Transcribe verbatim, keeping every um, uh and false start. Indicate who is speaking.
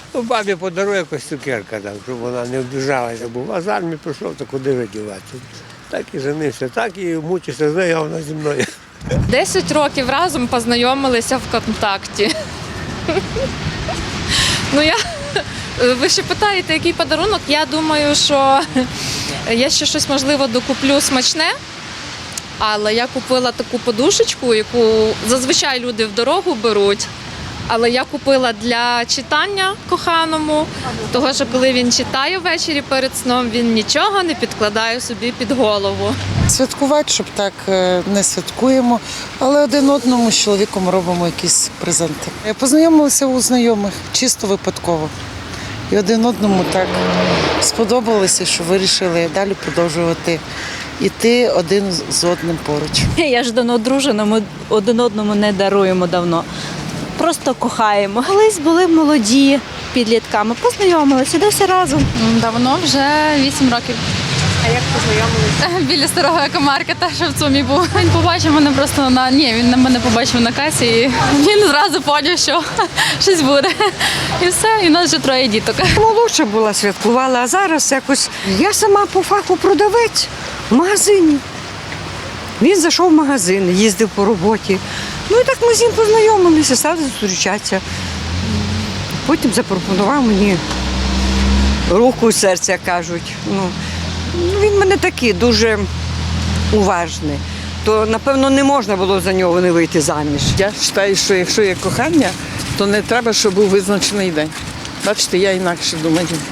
Speaker 1: Ну, бабі подарує якось цукерка, там, щоб вона не обіжалася, бо а з армії пішов, то куди видіватися. Так і женився, так і мучився з нею, а вона зі мною.
Speaker 2: Десять років разом познайомилися в контакті. Ну, я, ви ще питаєте, який подарунок? Я думаю, що я ще щось, можливо, докуплю смачне, але я купила таку подушечку, яку зазвичай люди в дорогу беруть. Але я купила для читання коханому, того, що коли він читає ввечері перед сном, він нічого не підкладає собі під голову.
Speaker 3: Святкувати, щоб так е, не святкуємо, але один одному з чоловіком робимо якісь презенти. Познайомилися у знайомих, чисто випадково. І один одному так сподобалося, що вирішили далі продовжувати йти один з одним поруч.
Speaker 4: Я ж давно одружена, ми один одному не даруємо давно. Просто кохаємо. Колись були молоді підлітками, познайомилися, де все разом.
Speaker 2: Давно, вже вісім років.
Speaker 4: А як познайомилися?
Speaker 2: Біля старого екомаркета, що в ЦУМі був. Він побачив мене просто на ні, він на мене побачив на касі і він зразу поняв, що щось буде. І все, і в нас вже троє діток.
Speaker 5: Молодша була, святкувала, а зараз якось я сама по фаху продавець в магазині. Він зайшов в магазин, їздив по роботі. Ну і так ми з ним познайомилися, стали зустрічатися. Потім запропонував мені руку, серця, кажуть. Ну, він мене такий дуже уважний. То, напевно, не можна було за нього не вийти заміж.
Speaker 6: Я вважаю, що якщо є кохання, то не треба, щоб був визначений день. Бачите, я інакше думаю.